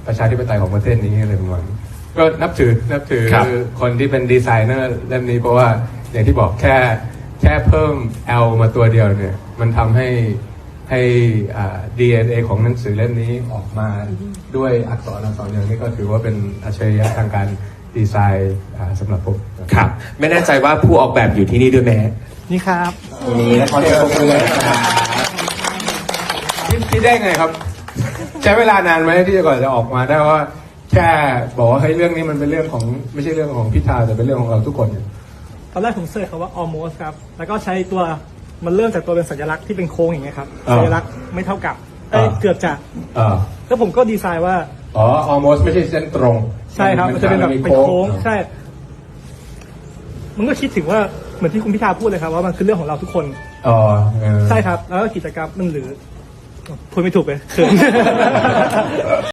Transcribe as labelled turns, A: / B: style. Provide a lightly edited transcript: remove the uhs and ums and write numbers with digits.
A: ประชาธิปไตยของประเทศนี้อะไรประมาณนี้ก็นับถือคนที่เป็นดีไซเนอร์เล่มนี้เพราะว่าอย่างที่บอกแค่เพิ่ม L มาตัวเดียวเนี่ยมันทำให้DNA ของหนังสือเล่มนี้ออกมาด้วยอักษรอย่างนี้ก็ถือว่าเป็นอัจฉริยะทางการดีไซน์สำหรับผม
B: ครับไม่แน่ใจว่าผู้ออกแบบอยู่ที่นี่ด้วยไหม
C: นี่ครับ
B: นี่นะขอเชิญปรบมือเลยนะครับ
A: คิดได้ไงครับ ใช้เวลานานไหมที่จะก่อนจะออกมาได้ว่าแค่บอกว่าให้เรื่องนี้มันเป็นเรื่องของไม่ใช่เรื่องของพิธาแต่เป็นเรื่องของเราทุกคนเนี่ย
C: ตอนแรกผมเสิร์ชคำว่า almost ครับ แล้วก็ใช้ตัวมันเริ่มจากตัวเป็นสัญลักษณ์ที่เป็นโค้งอย่างเงี้ยครับ สัญลักษณ์ไม่เท่ากับเกือบจะแล้วผมก็ดีไซน์ว่า
A: almost ไม่ใช่เส้นตรง
C: ใช่ครับมันจะเป็นแบบเป็นโค้งใช่มันก็คิดถึงว่าเหมือนที่คุณพิธาพูดเลยครับว่ามันคือเรื่องของเราทุกคนใช่ครับแล้วก็กิจกรรมมันหรือพูดไม่ถูกเลยเขิน